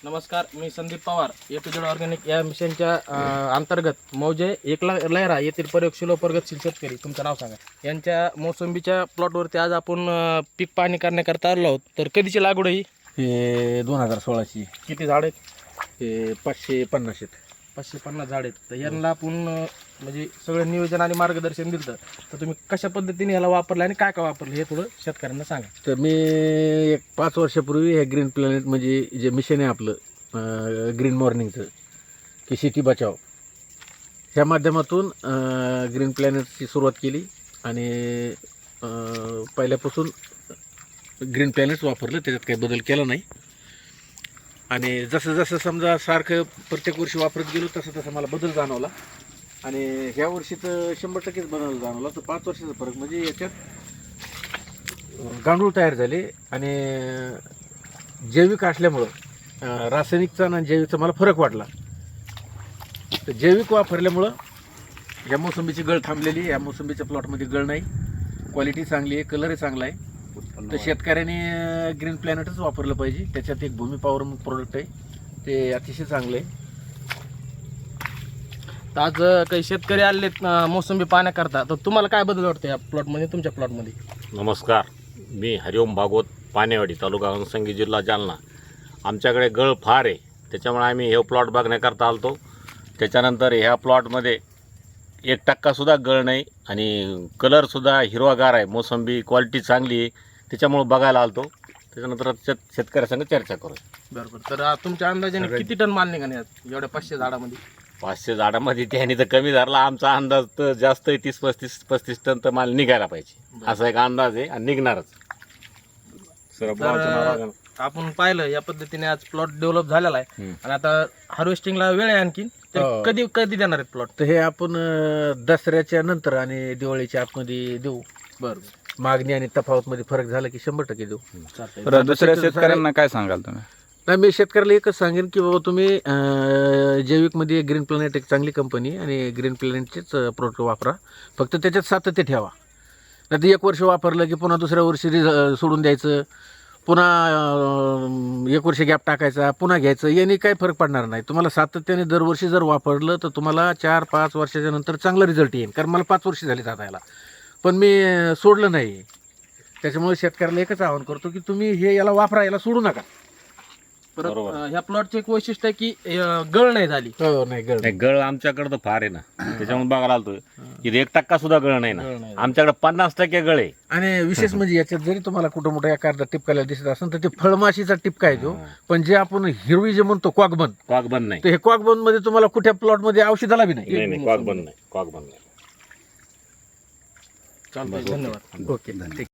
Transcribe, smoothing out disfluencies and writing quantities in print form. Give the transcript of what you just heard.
नमस्कार, मी Sandeep Pawar APZ organic या मिशनच्या अंतर्गत मौजे एकला लहरा येथील प्रयोगशील प्रगतशील शेतकरी, तुमचं नाव सांगा. यांच्या मोसंबीच्या प्लॉटवरती आज आपण पीक पाहणी करण्याकरता आलो आहोत. तर कधीची लागवड ही? हे 2016ची. किती झाड आहेत? हे 550 आहेत. 550 झाड आहेत. तर यांना आपण म्हणजे सगळं नियोजन आणि मार्गदर्शन दिलं. तर तुम्ही कशा पद्धतीने ह्याला वापरलं आणि काय काय वापरलं हे थोडं शेतकऱ्यांना सांगा. तर मी एक 5 वर्षापूर्वी हे ग्रीन प्लॅनेट म्हणजे जे मिशन आहे आपलं ग्रीन मॉर्निंगचं की शेती बचाव ह्या माध्यमातून ग्रीन प्लॅनेटची सुरुवात केली आणि पहिल्यापासून ग्रीन प्लॅनेट्स वापरलं, त्याच्यात काही बदल केला नाही. आणि जसं जसं समजा सारखं प्रत्येक वर्षी वापरत गेलो तसं तसं मला बदल जाणवला. आणि ह्या वर्षी तर 100%च बदल जाणवला. तर 5 वर्षाचा फरक म्हणजे याच्यात गांडूळ तयार झाले आणि जैविक असल्यामुळं रासायनिकचा आणि जैविकचा मला फरक वाटला. तर जैविक वापरल्यामुळं या मोसंबीची गळ थांबलेली, या मोसंबीच्या प्लॉटमध्ये गळ नाही, क्वालिटी चांगली आहे, कलरही चांगला आहे. तर शेतकऱ्याने ग्रीन प्लॅनेटच वापरलं पाहिजे. त्याच्यात एक भूमी पॉवर प्रोडक्ट आहे, ते अतिशय चांगलं आहे. तर आज काही शेतकरी आलेत मोसंबी पाहण्याकरता, तर तुम्हाला काय बदल वाटतं या प्लॉटमध्ये, तुमच्या प्लॉटमध्ये? नमस्कार, मी हरिओम भागवत, पानेवाडी, तालुका घनसंगी, जिल्हा जालना. आमच्याकडे गळ फार आहे, त्याच्यामुळे आम्ही हे प्लॉट बघण्याकरता आलतो. त्याच्यानंतर ह्या प्लॉटमध्ये 1%सुद्धा गळ नाही आणि कलरसुद्धा हिरवागार आहे. मोसंबी क्वालिटी चांगली आहे, त्याच्यामुळे बघायला आलतो. त्याच्यानंतर शेतकऱ्यासंग चर्चा करू. बरोबर. तर तुमच्या अंदाजाने किती टन माल निघाले एवढ्या 500 झाडामध्ये? 500 झाडामध्ये त्याने तर कमी धरला. आमचा अंदाज तर जास्त आहे, 30-35 टन तर माल निघायला पाहिजे, असा एक अंदाज आहे आणि निघणारच. तर आपण पाहिलं या पद्धतीने आज प्लॉट डेव्हलप झालेला आहे आणि आता हार्वेस्टिंगला वेळ आहे आणखी. कधी कधी देणार आहेत प्लॉट? तर हे आपण दसऱ्याच्या नंतर आणि दिवाळीच्या आतमध्ये देऊ. बरोबर. मागणी आणि तफावतमध्ये फरक झाला की 100% देऊ. दुसऱ्या शेतकऱ्यांना काय सांगाल तुम्ही? नाही, मी शेतकऱ्याला एकच सांगेन की बाबा तुम्ही जैविकमध्ये ग्रीन प्लॅनेट एक चांगली कंपनी आणि ग्रीन प्लॅनेटचेच प्रोडक्ट वापरा. फक्त त्याच्यात सातत्य ठेवा. नाही तर 1 वर्ष वापरलं की पुन्हा दुसऱ्या वर्षी सोडून द्यायचं, पुन्हा 1 वर्ष गॅप टाकायचा, पुन्हा घ्यायचं, याने काही फरक पडणार नाही. तुम्हाला सातत्याने दरवर्षी जर वापरलं तर तुम्हाला 4-5 वर्षाच्या नंतर चांगला रिझल्ट येईल. कारण मला 5 वर्ष झाली जाता याला, पण मी सोडलं नाही. त्याच्यामुळे शेतकऱ्याला एकच आवाहन करतो की तुम्ही हे याला वापरा, याला सोडू नका. परत ह्या प्लॉटचं एक वैशिष्ट्य आहे की गळ नाही झाली. नाही गळ आमच्याकडे तर फार आहे ना, त्याच्यामुळे बघायला आलतोय. इथे 1% गळ नाही ना, आमच्याकडे 50% गळ आहे. आणि विशेष म्हणजे याच्यात जरी तुम्हाला कुठं मोठं एखादा टिपकायला दिसत असेल तर ते फळमाशीचा टिपका आहे तो. पण जे आपण हिरवी जे म्हणतो क्वाकबंद नाही, तर हे क्वाकबंद मध्ये तुम्हाला कुठल्या प्लॉट मध्ये औषधाला बी नाही. नाही, क्वाकबंद नाही. चालतंय, धन्यवाद. ओके, ठीक.